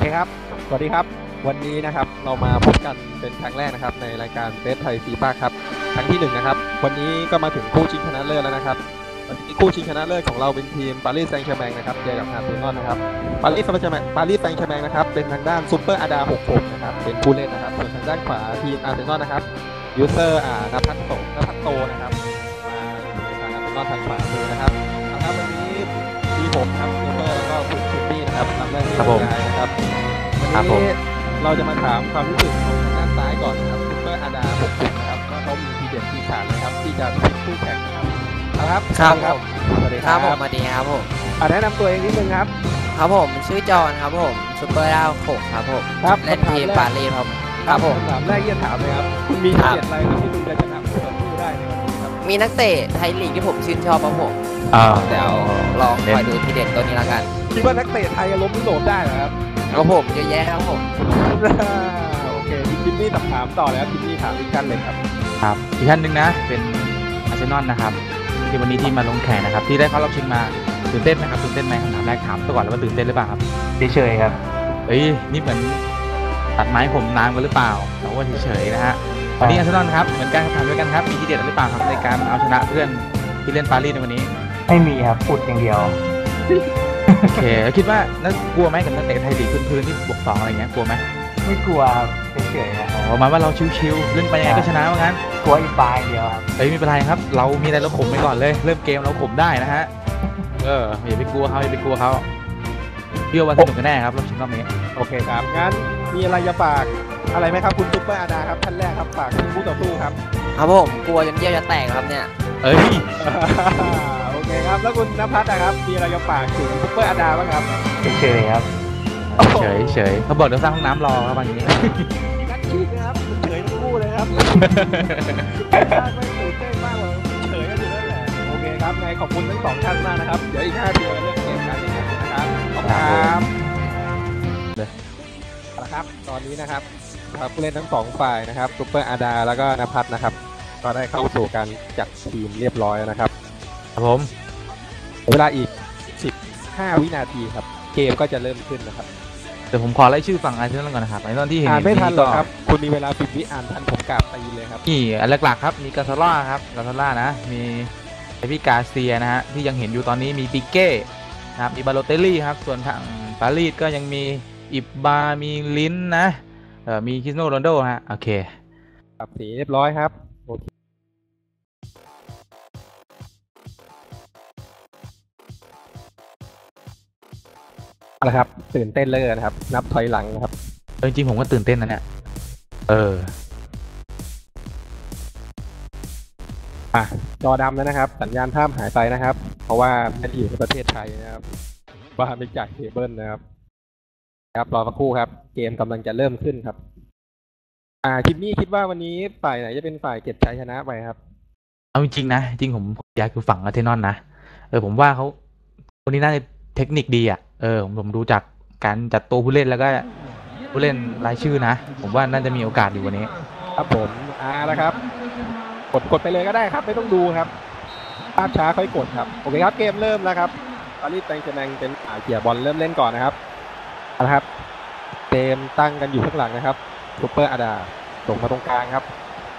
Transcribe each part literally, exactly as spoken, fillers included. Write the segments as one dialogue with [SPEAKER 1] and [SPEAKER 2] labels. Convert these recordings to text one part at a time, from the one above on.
[SPEAKER 1] เคครับสวัสดีครับวันนี้นะครับเรามาพบกันเป็นครั้งแรกนะครับในรายการเฟสไทยฟีฟ่าครับครั้งที่หนึ่งนะครับวันนี้ก็มาถึงคู่ชิงชนะเลิศแล้วนะครับวันนี้คู่ชิงชนะเลิศของเราเป็นทีมปารีสแซงต์แชร์แมงนะครับเจอกับอาร์เซนอลนะครับปารีสแซงต์แชร์แมงปารีสแซงต์แชร์แมงนะครับเป็นทางด้านซูเปอร์อาดาหกสิบหกนะครับเป็นผู้เล่นนะครับส่วนทางด้านขวาทีมอาร์เซนอลนะครับยูเซอร์อ่านภัสโตนภัสโตนะครับมาอยู่ในทางอาร์เซนอลทางขวามือนะครับนะครับวันนี้มีผมครับซูเปอร์แล้วก็คุณคิมมี่นะครับทำหน้าที่บรรยายนะครับวันนี้เราจะมาถามความรู้สึกของทางด้านซ้ายก่อนนะครับซูเปอร์อาดาหกสิบนะครับว่าเขามีทีเด็ดทีขาดนะครับที่จะพลิกคู่แข่งนะครับครับ
[SPEAKER 2] ครับ
[SPEAKER 1] สวัสดีครับ
[SPEAKER 2] ผมสวัสดีครับผม
[SPEAKER 1] แนะนำตัวเองนิดนึงครับ
[SPEAKER 2] ครับผมชื่อจอห์นครับผมซูเปอร์ดาวโขกครับผมเล่นทีมปารีสครับครับผม
[SPEAKER 1] คำถามแรกที่จะถามเลยครับคุณมีทีเด็ดอะไรที่คุณจะชนะคู่ต่อสู้ได้ในวันนี้ครับ
[SPEAKER 2] มีนักเตะไทยลีกที่ผมชื่นชอบครับผมเดี๋ยวลองคอยดูทีเด็ดตัวนี้ละกัน
[SPEAKER 1] คิดว่านักเตะไทยจะล้มยุโรปได้เหรอครับ
[SPEAKER 2] ครับผมเยอะแยะครับผม
[SPEAKER 1] โอเคทิมมี่ถามต่อแล้วทิมมี่ถามอีกท่านเลยครับ
[SPEAKER 3] ครับอีกท่านหนึ่งนะเป็นอาร์เซนอลนะครับที่วันนี้ที่มาลงแข่งนะครับที่ได้เข้ารอบชิงมาตื่นเต้นไหมครับตื่นเต้นไหมคำถามแรกถามตัวก่อนแล้วว่าตื่นเต้นหรือเปล่าครับ
[SPEAKER 4] เฉยๆครับ
[SPEAKER 3] เอ้ยนี่เหมือนตัดไม้ผมนานกันหรือเปล่าแต่ว่าเฉยๆนะฮะวันนี้อาร์เซนอลครับเหมือนกันถามด้วยกันครับมีทีเด็ดหรือเปล่าครับในการเอาชนะเพื่อนที่เล่นปารีสในวันนี้
[SPEAKER 4] ไม่มีครับพูดอย่างเดียว
[SPEAKER 3] โอเคแล้วคิดว่าน่ากลัวไหมกับนักเตะไทยลีกพื้นๆที่บวกสองอะไรเงี้ยกลัวไหม
[SPEAKER 4] ไม่กลัวเฉยๆนะ
[SPEAKER 3] อ๋อหมายว่าเราชิวๆเล่นไปยังไงก็ชนะว่างั้น
[SPEAKER 4] กลัวอีกปลายเดียวครับ
[SPEAKER 3] เฮ้ยไม่เป็นไรครับเรามีอะไรเราข่มไปก่อนเลยเริ่มเกมเราข่มได้นะฮะเอออย่าไปกลัวเขาอย่าไปกลัวเขาพี่ว่าสนุกกันแน่ครับรอบชิงรอบนี้
[SPEAKER 1] โอเคครับงั้นมีอะไรจะฝากอะไรไหมครับคุณซุปเปอร์อาดาครับท่านแรกครับฝากทีมคู่ต่อสู้ครับ
[SPEAKER 2] ครับผมกลัวจนเยี่ยวจะแตกครับเนี่ย
[SPEAKER 3] เอ้ย
[SPEAKER 1] โอเคครับแล้วคุณณภัสนะครับมีอะไรจะฝากถึงซุปเปอร์อาดาบ้างครับ
[SPEAKER 4] เฉยๆครับ
[SPEAKER 3] เฉยเฉยเขาบอกเดี๋ยวสร้างห้องน้ำรอครับวันนี้
[SPEAKER 1] นักขีดนะครับเฉยทั้งคู่เลยครับไม่ตื่นเต้นมากเลยเฉยกันอยู่นั่นแหละโอเคครับไงขอบคุณทั้งสองท่านมากนะครับเดี๋ยวอีกห้าทีเราเริ่มเกมกันนะครับขอบคุณครับนะครับตอนนี้นะครับผู้เล่นทั้งสองฝ่ายนะครับซุปเปอร์อาดาแล้วก็ณภัสนะครับก็ได้เข้าสู่การจัดทีมเรียบร้อยนะครับ
[SPEAKER 3] ครับผม
[SPEAKER 1] เวลาอีกสิบห้าวินาทีครับเกมก็จะเริ่มขึ้นนะครับ
[SPEAKER 3] เดี๋ยวผมขอไล่ชื่อฝั่งอาร์เซนอลก่อนนะครับในตอนที่เห็น
[SPEAKER 1] อ่านไม่ทันหรอกครับคุณมีเวลาสิบวิอ่านทันผมกราบตีเลยครับ
[SPEAKER 3] นี่อันหลักๆครับมีกาซาร่าครับกาซาร่านะมีเอพิกาเซียนะฮะที่ยังเห็นอยู่ตอนนี้มีปิเก้นะครับมีบาโลเตลลี่ครับส่วนทางปารีสก็ยังมีอิบบามีลินนะเอ่อมีคริสโนโรนัลโดฮะโอเค
[SPEAKER 1] ครับสีเรียบร้อยครับโอเคนะครับตื่นเต้นเลยนะครับนับถอยหลังนะครับ
[SPEAKER 3] จริงๆผมก็ตื่นเต้นนะเนี่ยเออ
[SPEAKER 1] อ่ะจอดำแล้วนะครับสัญญาณภาพหายไปนะครับเพราะว่าไม่ได้อยู่ในประเทศไทยนะครับว่าไม่จ่ายเคเบิลนะครับครับรอสักครู่ครับเกมกำลังจะเริ่มขึ้นครับอ่าคิมมี่คิดว่าวันนี้ฝ่ายไหนจะเป็นฝ่ายเก็บชัยชนะไปครับ
[SPEAKER 3] เอาจริงๆนะจริงผมอยากคือฝั่งอาร์เซนอลนะเออผมว่าเขาคนนี้น่าจะเทคนิคดีอ่ะเออผมผมดูจากการจัดตัวผู้เล่นแล้วก็ผู้เล่นรายชื่อนะผมว่าน่าจะมีโอกาสอยู่วันนี้
[SPEAKER 1] ครับผมอ่าแล้วครับกดกดไปเลยก็ได้ครับไม่ต้องดูครับภาพช้าค่อยกดครับโอเคครับเกมเริ่มแล้วครับปารีสแซงต์แชร์แมงเป็นอ่าเกี่ยบอลเริ่มเล่นก่อนนะครับนะครับเกมตั้งกันอยู่ข้างหลังนะครับซุปเปอร์อาดาส่งมาตรงกลางครับ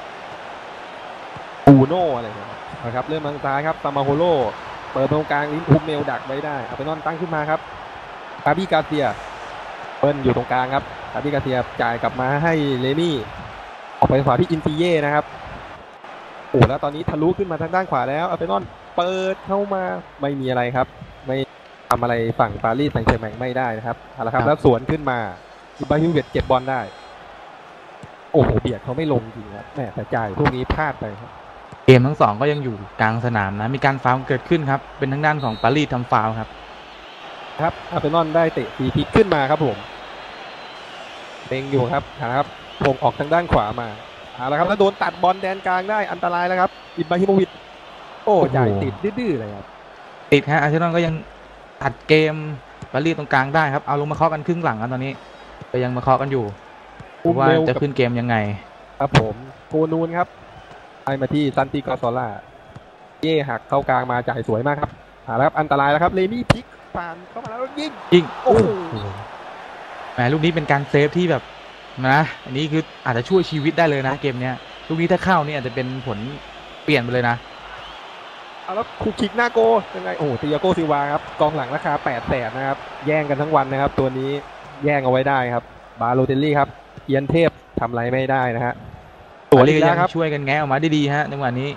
[SPEAKER 1] อูโน่อะไรนะครับเริ่มทางซ้ายครับซามาโฮโลเปิดตรงกลางลินทูเมลดักไว้ได้อาร์เซนอลตั้งขึ้นมาครับคาบิกาเซียเปิ้ลอยู่ตรงกลางครับคาบิกาเซียจ่ายกลับมาให้เลมี่ออกไปขวาที่อินซิเย่นะครับโอ้แล้วตอนนี้ทะลุขึ้นมาทางด้านขวาแล้วอาร์เซนอลเปิดเข้ามาไม่มีอะไรครับไม่ทำอะไรฝั่งปารีสแซงต์แชร์แมงไม่ได้นะครับเอาละครับแล้วสวนขึ้นมาอิบราฮิโมวิชเก็บบอลได้โอ้โหเบียดเขาไม่ลงจริงครับแม่แต่จ่ายพวกนี้พลาดไปครับ
[SPEAKER 3] เกมทั้งสองก็ยังอยู่กลางสนามนะมีการฟาวล์เกิดขึ้นครับเป็นทางด้านของปารีสทำฟาวล์ครับ
[SPEAKER 1] ครับอาร์เซนอลได้เตะฟรีคิกขึ้นมาครับผมเต็งอยู่ครับนะครับพงออกทางด้านขวามาเอาละครับแล้วโดนตัดบอลแดนกลางได้อันตรายแล้วครับอิบราฮิโมวิชโอ้จ่ายติดดื้อๆเลยครับ
[SPEAKER 3] ติดฮะอาร์เซนอลก็ยังตัดเกมปารีสตรงกลางได้ครับเอาลงมาเคาะกันครึ่งหลังกันตอนนี้ก็ยังมาเคาะกันอยู่ว่าจะขึ้นเกมยังไง
[SPEAKER 1] ครับผมโกนูนครับไปมาที่ซันติกอซอล่าเย่หักเข้ากลางมาจ่ายสวยมากครับหาแล้วครับอันตรายแล้วครับเลมี่พลิกผ่านเข้ามาแล้วยิง
[SPEAKER 3] ยิง
[SPEAKER 1] โอ้โห
[SPEAKER 3] แหมลูกนี้เป็นการเซฟที่แบบนะอันนี้คืออาจจะช่วยชีวิตได้เลยนะเกมเนี้ยลูกนี้ถ้าเข้านี่อาจจะเป็นผลเปลี่ยนไปเลยนะ
[SPEAKER 1] เอาแล้วคูคิกหน้าโกยังไงโอ้ติอาโกซิลวาครับกองหลังราคาแปดแสนนะครับแย่งกันทั้งวันนะครับตัวนี้แย่งเอาไว้ได้ครับบาโลเตลลี่ครับเอียนเทพทำอะไรไม่ได้นะฮะ
[SPEAKER 3] ตัวนี้
[SPEAKER 1] อี
[SPEAKER 3] ก็
[SPEAKER 1] กแล้
[SPEAKER 3] ยั
[SPEAKER 1] ว
[SPEAKER 3] ง
[SPEAKER 1] ครับ
[SPEAKER 3] ช่วยกันแงะออกมาได้ดีฮะในวันนี้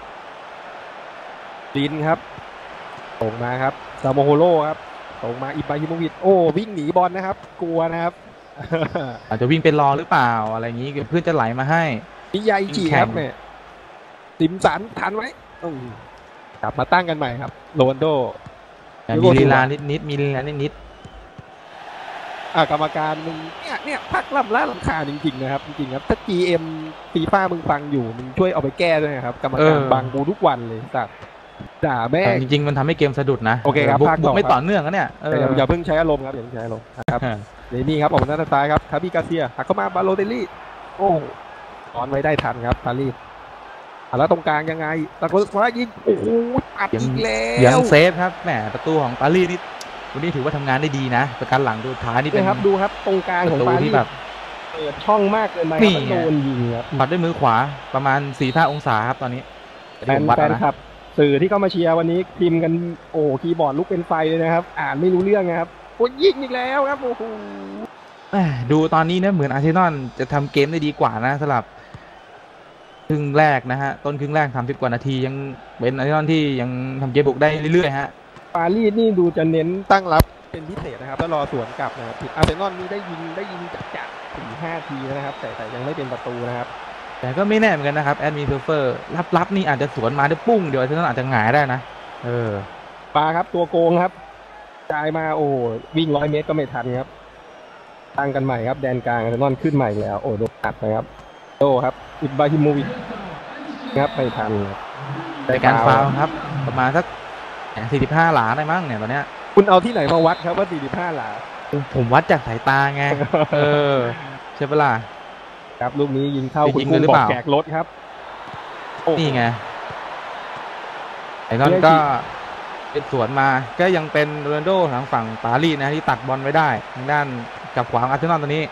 [SPEAKER 1] ลินครับส่งมาครับซาโมโฮโร่ครับส่งมาอิบราฮิโมวิชโอ้วิ่งหนีบอลนะครับกลัวนะครับ
[SPEAKER 3] อาจจะวิ่งเป็นรอหรือเปล่าอะไรอย่างนี้เพื่อนจะไหลมาให้
[SPEAKER 1] นิยายอิจิครับเนี่ยติมสันทันไหมอืมกลับมาตั้งกันใหม่ครับโรนลโด
[SPEAKER 3] มีลีลานิดนิดๆมีลีลานิดนิด
[SPEAKER 1] อ่ากรรมการมึงเนี่ยเนี่ยพักล่ำล้าลำคาญจริงๆนะครับจริงๆครับถ้า จี เอ็ม ฟีฟ่ามึงฟังอยู่มึงช่วยเอาไปแก้ด้วยนะครับกรรมการบังกูทุกวันเลยสัตว์ด่าแม่ง
[SPEAKER 3] ๆจริงๆมันทำให้เกมสะดุดนะ
[SPEAKER 1] โอเคครับ
[SPEAKER 3] บุก
[SPEAKER 1] ภาคต่อ
[SPEAKER 3] บุกไม่
[SPEAKER 1] ครับ
[SPEAKER 3] ต่อเนื่องนะเนี่ยเอ
[SPEAKER 1] แต่
[SPEAKER 3] อ
[SPEAKER 1] อย่าอย่าเพิ่งใช้อารมณ์ครับอย่าเพิ่งใช้อารมณ์นะครับเดี๋ยวนี่ครับออกมาหน้าซ้ายครับคาบิกาเซียหักเข้ามาบาโลเตลลี่โอ้ตอนไว้ได้ทันครับปารีสอ่ะแล้วตรงกลางยังไงตะโกนว่ายิงโอ้โหอัดอีกแล้
[SPEAKER 3] ยัง
[SPEAKER 1] ว
[SPEAKER 3] เซฟครับแหมประตูของปารีสนี่วันนี้ถือว่าทำงานได้ดีนะประกันหลังดูท้ายนี่เป็
[SPEAKER 1] นี่
[SPEAKER 3] น
[SPEAKER 1] ครับดูครับตรงกลาง
[SPEAKER 3] ป
[SPEAKER 1] ของ
[SPEAKER 3] ระตู
[SPEAKER 1] ปารี
[SPEAKER 3] ที่
[SPEAKER 1] ส
[SPEAKER 3] แบบ
[SPEAKER 1] เปิดช่องมากเกินไป
[SPEAKER 3] นี่
[SPEAKER 1] ครับโดนยิงครับ
[SPEAKER 3] ปัดด้วยมือขวาประมาณสี่ห้าองศาครับตอนนี้
[SPEAKER 1] แฟนแฟนคลับสื่อที่เข้ามาเชียร์วันนี้พิมพ์กันโอ้คีย์บอร์ดลุกเป็นไฟเลยนะครับ อ่านไม่รู้เรื่องนะครับโอ้ยิงอีกแล้วครับโอ้โห
[SPEAKER 3] แหมดูตอนนี้เนี่ยเหมือนอาร์เซนอลจะทำเกมได้ดีกว่านะสำหรับครึ่งแรกนะฮะต้นครึ่งแรกทำสิบกว่านาทียังเป็นอาร์เซนอลที่ยังทำเกมบุกได้เรื่อยๆฮะ
[SPEAKER 1] ปารีสนี่ดูจะเน้นตั้งรับเป็นพิเศษนะครับแล้วรอสวนกลับนะครับอาร์เซนอลนี่ได้ยิงได้ยิงจัดจัดสี่ห้าทีนะครับ แต่แต่ยังไม่เป็นประตูนะครับ
[SPEAKER 3] แต่ก็ไม่แน่เหมือนกันนะครับแอดมินเซิร์ฟเฟอร์รับๆนี่อาจจะสวนมาได้ปุ้งเดี๋ยวอาร์เซนอลอาจจะหงายได้นะเออ
[SPEAKER 1] ปาครับตัวโกงครับจ่ายมาโอ้วิ่งร้อยเมตรก็ไม่ทันครับตั้งกันใหม่ครับแดนกลางอาร์เซนอลขึ้นใหม่แล้วโอ้โดนตัดนะครับโตครับอิบราฮิโมวิชครับไม่ทันครับ
[SPEAKER 3] ในการฟาวล์ครับประมาณสักสี่สิบห้าหลาได้มั้งเนี่ยตอนเนี้ย
[SPEAKER 1] คุณเอาที่ไหนมาวัดครับว่าสี่สิบห้าหลา
[SPEAKER 3] ผมวัดจากสายตาไง เออใช่ปะล่ะ
[SPEAKER 1] ครับลูกนี้ยิงเข้า
[SPEAKER 3] ไป
[SPEAKER 1] คุณ
[SPEAKER 3] ยิง
[SPEAKER 1] กุ้
[SPEAKER 3] เลย
[SPEAKER 1] ง
[SPEAKER 3] หรือ
[SPEAKER 1] บอก
[SPEAKER 3] เปล่า
[SPEAKER 1] แจกรถครับโอ้โห
[SPEAKER 3] นี่ไงไอ้นั่น
[SPEAKER 1] เนี่ย
[SPEAKER 3] ก็เป็นสวนมาก็ยังเป็นโรนัลโดทางฝั่งปารีสนะที่ตัดบอลไว้ได้ทางด้านกับขวางอาร์เซนอลตัวนี้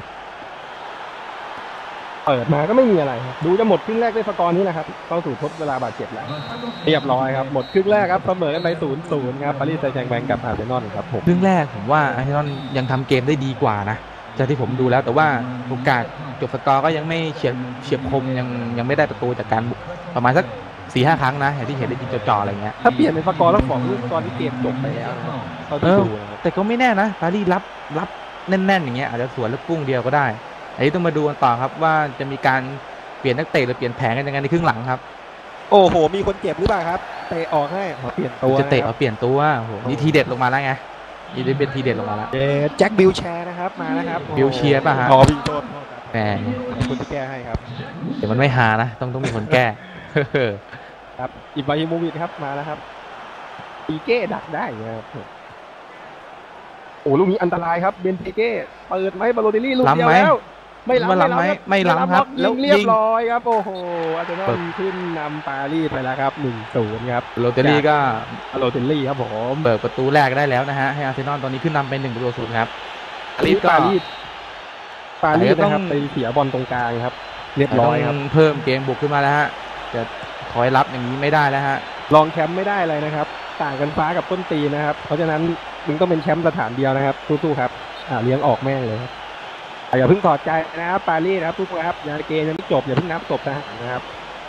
[SPEAKER 1] เปิดมาก็ไม่มีอะไรครับดูจะหมดครึ่งแรกด้วยสกอร์นี้นะครับเข้าสู่ทดเวลาบาดเจ็บแล้วเรียบร้อยครับหมดครึ่งแรกครับเสมอกันไปศูนย์ศูนย์ครับปารีสแซงต์แชร์แมงกับอาร์เซนอลครับผม
[SPEAKER 3] ครึ่งแรกผมว่าอาร์เซนอลยังทำเกมได้ดีกว่านะจากที่ผมดูแล้วแต่ว่าโอกาสจบสกอร์ก็ยังไม่เฉียบเฉียบคมยังยังไม่ได้ประตูจากการบุกประมาณสักสี่ห้าครั้งนะอย่างที่เห็นได้ยิงจ่อๆอะไรเงี้ย
[SPEAKER 1] ถ้าเปลี่ยนเป็นสกอร์แล้วสองลูกตอนที่เกมจบไปแล้วนะครับเท่า
[SPEAKER 3] เอ
[SPEAKER 1] ที่
[SPEAKER 3] อ
[SPEAKER 1] ดูนะครับ
[SPEAKER 3] แต่ก็ไม่แน่นะปารีสรับรับแน่นๆอย่างเงี้ยอาจจะสวนลูกกุ้งเดียวก็ได้อันนี้ต้องมาดูกันต่อครับว่าจะมีการเปลี่ยนนักเตะหรือเปลี่ยนแผนกันยังไงในครึ่งหลังครับ
[SPEAKER 1] โอ้โหมีคนเจ็บหรือเปล่าครับเตะออกให้ขอเปลี่ยนตัว
[SPEAKER 3] จะเตะ
[SPEAKER 1] นค
[SPEAKER 3] เอา
[SPEAKER 1] รับ
[SPEAKER 3] เปลี่ยนตัวโอ้โหนี่ทีเด็ดลงมาแล้วไงนี่ได้เป็นทีเด็ดลงมาแล้ว
[SPEAKER 1] เดแจ็คบิลแชร์นะครับมานะครับ
[SPEAKER 3] บิลเชียร์ป่ะฮะ
[SPEAKER 1] อ๋อบิลโทษโทษครับ
[SPEAKER 3] แหม
[SPEAKER 1] คุณที่แก้ให้ครับ
[SPEAKER 3] เดี๋ยวมันไม่หานะต้องต้องมีคนแก้
[SPEAKER 1] ครับอิบราฮิโมวิชครับมาแล้วครับปีเก้ดักได้นะครับโอ้ลูกนี้อันตรายครับเบนเปเก้เปิดไหมบาโลเตลลี่ลูกเดียวแล้วไม่ล้ำ
[SPEAKER 3] ไม่ล้ำไหมไม่ล้ำครับ
[SPEAKER 1] แล้
[SPEAKER 3] แล้ว ว
[SPEAKER 1] เรีย
[SPEAKER 3] ยิ
[SPEAKER 1] บ
[SPEAKER 3] ง
[SPEAKER 1] ร้อยครับโอ้โหอาร์เซนอ
[SPEAKER 3] เปิ
[SPEAKER 1] ล
[SPEAKER 3] ด
[SPEAKER 1] ขึ้นนำปารีสไปแล้วครับหนึ่งศูนย์ครับ
[SPEAKER 3] โรเตอรี่ก็
[SPEAKER 1] บาโลเตลลี่ครับผม
[SPEAKER 3] เปิดประตูแรกได้แล้วนะฮะให้อาร์เซนอลตอนนี้ขึ้นนำเป็นหนึ่งประตูศูนย์ครับ
[SPEAKER 1] ปารีสปารีสปารีส
[SPEAKER 3] แต่ก็ต้
[SPEAKER 1] นะ
[SPEAKER 3] อง
[SPEAKER 1] ครับไปเสียบอลตรงกลางครับ เรียบร้อยครับ
[SPEAKER 3] ต้องเพิ่มเกมบุกขึ้นมาแล้วฮะจะถอยรับอย่างนี้ไม่ได้แล้วฮะ
[SPEAKER 1] รองแชมป์ไม่ได้เลยนะครับ ต่างกันฟ้ากับต้นตีนะครับ เพราะฉะนั้นมึงต้องเป็นแชมป์สถานเดียวนะครับสู้ๆครับอ่าเลี้ยงออกแม่งเลยครับอ่าอย่าเพิ่งถอดใจนะครับปารีสนะครับทุกคนครับยังเกมยังไม่จบอย่าเพิ่งนับจบนะนะครับ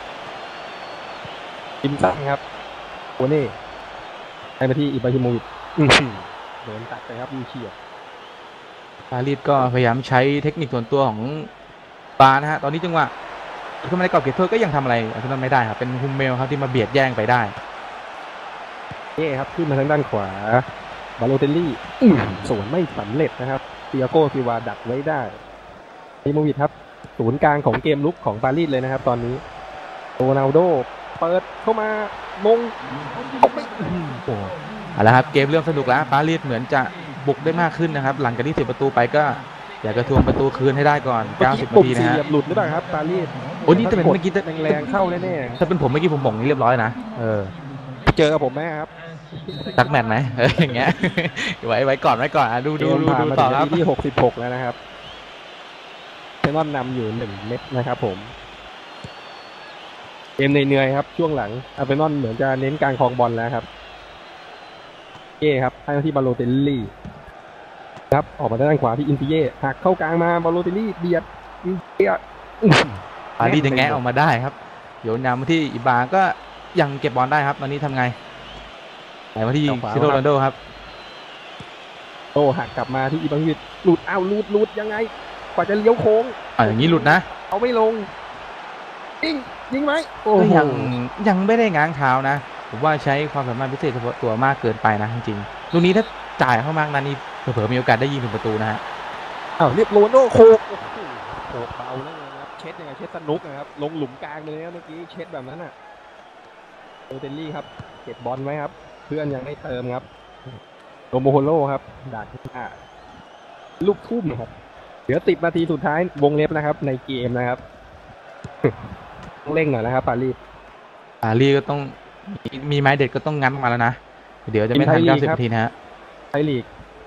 [SPEAKER 1] อิมซังครับโอเน่ให้มาที่อิบราฮิโมวิชอื้อหือโดนตัดไปครับมีเฉียด
[SPEAKER 3] ปารีสก็พยายามใช้เทคนิคส่วนตัวของปานะฮะตอนนี้จังหวะขึ้นมาในกรอบเขตโทษก็ยังทำอะไรอาร์เซนอลไม่ได้ครับเป็นฮุมเมลครับที่มาเบียดแย่งไปได้
[SPEAKER 1] เย่ครับขึ้นมาทางด้านขวาบาโลเตลลี่อื้อสวนไม่สำเร็จนะครับเตียโก้ซิวาดักไว้ได้อิโมวิชครับศูนย์กลางของเกมลุกของปารีสเลยนะครับ ตอนนี้โรนัลโดเปิดเข้ามามงไม่อื้อหือโอ้
[SPEAKER 3] เอาละครับเกมเริ่มสนุกแล้วปารีสเหมือนจะบุกได้มากขึ้นนะครับหลังจากที่เสียประตูไปก็อยากจะทวงประตูคืนให้ได้ก่อน
[SPEAKER 1] เมื่อ
[SPEAKER 3] เก้าสิ
[SPEAKER 1] กี้
[SPEAKER 3] บ
[SPEAKER 1] ปุ่
[SPEAKER 3] นาม ทีนะ
[SPEAKER 1] สี่
[SPEAKER 3] ฮะ
[SPEAKER 1] เหลี่ยมหลุดหรือเปล่าครับปารีส
[SPEAKER 3] โอ้นี่แต่เป็นเมื่อกี้
[SPEAKER 1] แรงๆเข้าแน่
[SPEAKER 3] ถ้าเป็นผมเมื่อกี้ผมบอกนี่เรียบร้อยนะเออ
[SPEAKER 1] ๆเจอกับผมไหมครับ
[SPEAKER 3] สักแมตช์ไหมเอออย่างเงี้ย ไว้ไว้ก่อนไว้ก่อนอ่ะดูดูดู
[SPEAKER 1] ผ่าน
[SPEAKER 3] ดู
[SPEAKER 1] มา
[SPEAKER 3] ต่
[SPEAKER 1] ถึ
[SPEAKER 3] อง ค
[SPEAKER 1] นา
[SPEAKER 3] รับ
[SPEAKER 1] ทีที่หกสิบหกแล้วนะครับเซนอนนำอยู่หนึ่งเม็ดนะครับผมเกมเหนื่อยๆครับช่วงหลังอาร์เซนอลเหมือนจะเน้นการครองบอลแล้วครับเย่ครับให้มาที่บาโลเตลลี่ครับออกมาด้านขวาที่อินซิเย่หักเข้ากลางมาบาโลเตลลี่เบียดอินซิเย่อื้อหือ
[SPEAKER 3] ปารีสยังแงะออกมาได้ครับโยนยำมาที่อิบาก็ยังเก็บบอลได้ครับตอนนี้ทำไงไหนมาที่ซิโรนัลโดครับ
[SPEAKER 1] โตหักกลับมาที่อิบังวิดหลุดอ้าวหลุดหลุดยังไงกว่าจะเลี้ยวโค้ง
[SPEAKER 3] อ่ะอย่างนี้หลุดนะ
[SPEAKER 1] เอาไม่ลงยิงยิงไหมโอ้
[SPEAKER 3] ก็
[SPEAKER 1] โห
[SPEAKER 3] ยังยังไม่ได้ง้างเท้านะผมว่าใช้ความสามารถพิเศษเฉพาะตัวมากเกินไปนะจริงๆลูกนี้ถ้าจ่ายเข้ามากนั้นนี่เผลอๆมีโอกาสได้ยิงถึงประตูนะฮะ
[SPEAKER 1] อ้าวเรียบโรนลโดโคกโอ้โหโคกเบาแล้วนะครับเช็ดยังไงเช็ดสนุกนะครับลงหลุมกลางไปเลยนะเมื่อกี้เช็ดแบบนั้นอ่ะโอเตลลี่ครับเก็บบอลไว้ครับ เพื่อนยังไม่เติมครับโรโมโฮโลครับดักหน้าลูกทุ่มครับเหลือสิบนาทีสุดท้ายวงเล็บนะครับ ในเกมนะครับ ต้องเร่งหน่อยนะครับปารีส
[SPEAKER 3] ปารีสก็ต้องมีมีไม้เด็ดก็ต้องงัดมาแล้วนะเดี๋ยวจะไม่ทัน
[SPEAKER 1] ทีมไทยลีก
[SPEAKER 3] เก้าสิบ
[SPEAKER 1] ครับ
[SPEAKER 3] นาทีนะฮะ
[SPEAKER 1] ไทยลีก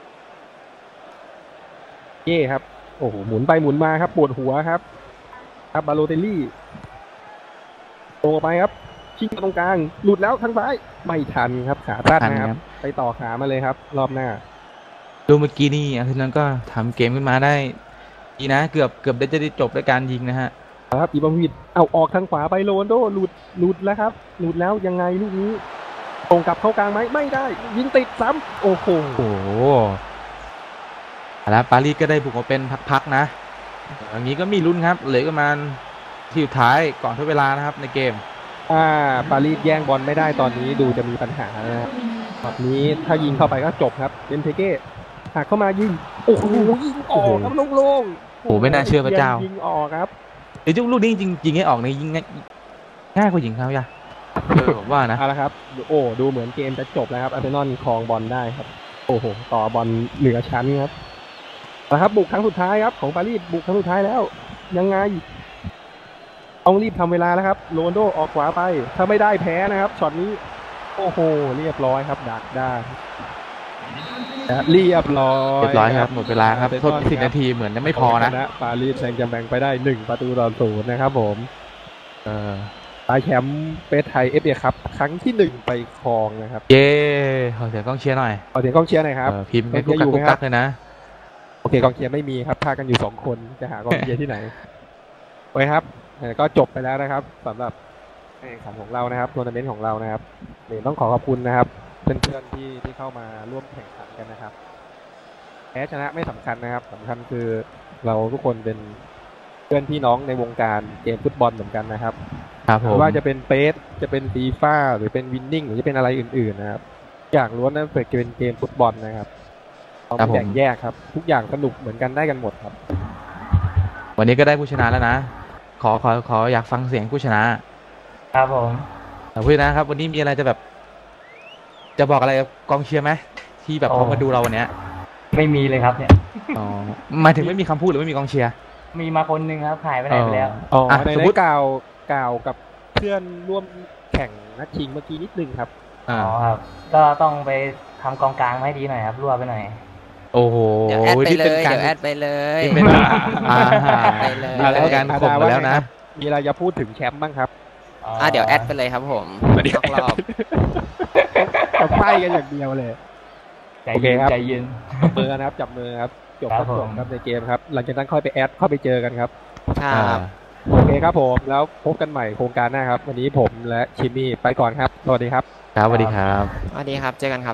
[SPEAKER 1] เย่ครับโอ้โหหมุนไปหมุนมาครับปวดหัวครับ ครับบาโลเตลลี่โตไปครับชิงตรงกลางหลุดแล้วทางซ้ายไม่ทันครับขาตั้นนะครับ ไปต่อขามาเลยครับ รอบหน้า
[SPEAKER 3] ดูเมื่อกี้นี่อาร์เซนอลก็ทำเกมขึ้นมาได้ดีนะเกือบเกือบได้จะได้จบด้วยการยิงนะฮะ
[SPEAKER 1] ครับอีบราฮิโมวิชเอาออกทางขวาไปโรนลโดหลุดหลุดแล้วครับ หลุดแล้วยังไงลูกนี้ตรงกลับเข้ากลางไหมไม่ได้ ยิงติดซ้ำโอ้โห
[SPEAKER 3] โอ้โหแล้วปารีสก็ได้บุกมาเป็นพักๆนะอย่างนี้ก็มีลุ้นครับเหลือประมาณที่สุดท้ายก่อนทดเวลานะครับในเกม
[SPEAKER 1] อ่าปารีสแย่งบอลไม่ได้ตอนนี้ดูจะมีปัญหานะครับแบบนี้ถ้ายิงเข้าไปก็จบครับเบนเทเก้หักเข้ามายิงโอ้โหยิงออกครับโล่งๆ
[SPEAKER 3] โอ้โหไม่น่าเชื่อพระเจ้า
[SPEAKER 1] ยิงออกครับ
[SPEAKER 3] เดี๋ยวลูกนี้จริงยิงให้ออกในยิงง่ายง่ายกว่ายิงเขาอย่าเออผมว่านะ
[SPEAKER 1] เอาละครับโอ้ดูเหมือนเกมจะจบแล้วครับอาร์เซนอลครองบอลได้ครับโอ้โหต่อบอลเหนือชั้นครับเอาละครับบุกครั้งสุดท้ายครับของปารีสบุกครั้งสุดท้ายแล้ว ยังไงต้องรีบทำเวลาแล้วครับโรนลโดออกขวาไป ถ้าไม่ได้แพ้นะครับช็อตนี้โอ้โหเรียบร้อยครับดักได้และเรียบร้อย
[SPEAKER 3] เรียบร้อยครับหมดเวลาครับทดสิบนาทีเหมือนจะไม่พอนะ
[SPEAKER 1] ปารีสแซงต์แชร์แมงไปได้หนึ่งประตูต่อศูนย์นะครับผม
[SPEAKER 3] เออ
[SPEAKER 1] ตายแชมป์เปสไทยเอฟเอครับครั้งที่หนึ่งไปครองนะครับ
[SPEAKER 3] เย้ขอเสียงกองเชียร์หน่อย
[SPEAKER 1] ขอเสียงกองเชียร์หน่อยครับ
[SPEAKER 3] เออพิมพ์ให้กุ๊กกักกุ๊กกักเลยนะ
[SPEAKER 1] โอเคกองเชียร์ไม่มีครับพากันอยู่สองคนจะหากองเชียร์ที่ไหนโอเคครับเอ่อก็จบไปแล้วนะครับสำหรับการแข่งขันของเรานะครับทัวร์นาเมนต์ของเรานะครับเดี๋ยวต้องขอขอบคุณนะครับเพื่อนๆที่ที่เข้ามาร่วมแข่งขันกันนะครับแพ้ชนะไม่สำคัญนะครับสำคัญคือเราทุกคนเป็นเพื่อนพี่น้องในวงการเกมฟุตบอลเหมือนกันนะครับ
[SPEAKER 3] ครับผม
[SPEAKER 1] ไม่ว่าจะเป็นเปสจะเป็นฟีฟ่าหรือเป็นวินนิ่งหรือจะเป็นอะไรอื่นๆนะครับอย่างล้วนนั้นเป็นเกมฟุตบอลนะครับเราไม่แบ่งแยกครับทุกอย่างสนุกเหมือนกันได้กันหมดครับ
[SPEAKER 3] วันนี้ก็ได้ผู้ชนะแล้วนะ ขอขอขออยากฟังเสียงผู้ชนะครับ
[SPEAKER 4] ผม
[SPEAKER 3] แต่ผู้ชนะครับ วันนี้มีอะไรจะแบบ จะบอกอะไรกับกองเชียร์ไหมที่แบบเขามาดูเราวันเนี้ย
[SPEAKER 4] ไม่มีเลยครับเนี่ย
[SPEAKER 3] อ๋อหมายถึงไม่มีคำพูดหรือไม่มีกองเชียร์
[SPEAKER 4] มีมาคนหนึ่งครับหายไปไหนไปแล้ว
[SPEAKER 1] อ๋อ
[SPEAKER 3] อ่ะ
[SPEAKER 1] ใน
[SPEAKER 3] สม
[SPEAKER 1] ได้
[SPEAKER 3] มุติ
[SPEAKER 1] กล่าวกล่าวกับเพื่อนร่วมแข่งนัดชิงเมื่อกี้นิดนึงครับ
[SPEAKER 3] อ่า
[SPEAKER 4] อ๋อครับ ก็ต้องไปทำกองกลางมาให้ดีหน่อยครับรั่วไปหน่อย
[SPEAKER 3] โอ้โห
[SPEAKER 2] เดี๋ยวแอดไป
[SPEAKER 3] นี่
[SPEAKER 2] เล
[SPEAKER 3] เป็น
[SPEAKER 2] ย
[SPEAKER 3] การ
[SPEAKER 2] เดี๋ยวแอดไปเลย
[SPEAKER 3] นี่เป็นอ่า
[SPEAKER 2] ไปเลย
[SPEAKER 3] นี่เป็นการข่มมาแล้วนะ
[SPEAKER 1] มีอะไรจะพูดถึงแชมป์บ้างครับ
[SPEAKER 2] อ่ะเดี๋ยวแอดไปเลยครับผมต้องรอบ
[SPEAKER 1] จะไพ่กันอย่างเดียวเลย
[SPEAKER 4] ใจ
[SPEAKER 1] โอเค
[SPEAKER 4] เย็น
[SPEAKER 1] ครับ
[SPEAKER 4] ใจเย็น
[SPEAKER 1] จับมือนะครับจับมือครับจบ
[SPEAKER 4] ค
[SPEAKER 1] ค
[SPEAKER 4] รั
[SPEAKER 1] รั
[SPEAKER 4] บบ ผม
[SPEAKER 1] จบครับในเกมครับหลังจากนั้นค่อยไปแอดเข้าไปเจอกันครับ
[SPEAKER 2] ครับ
[SPEAKER 1] โอเคครับผมแล้วพบกันใหม่โครงการหน้าครับ วันนี้ผมและชิมมี่ไปก่อนครับสวัสดีครับ
[SPEAKER 3] ครับสวัสดีครับ
[SPEAKER 2] สวัสดีครับเจอกันครับ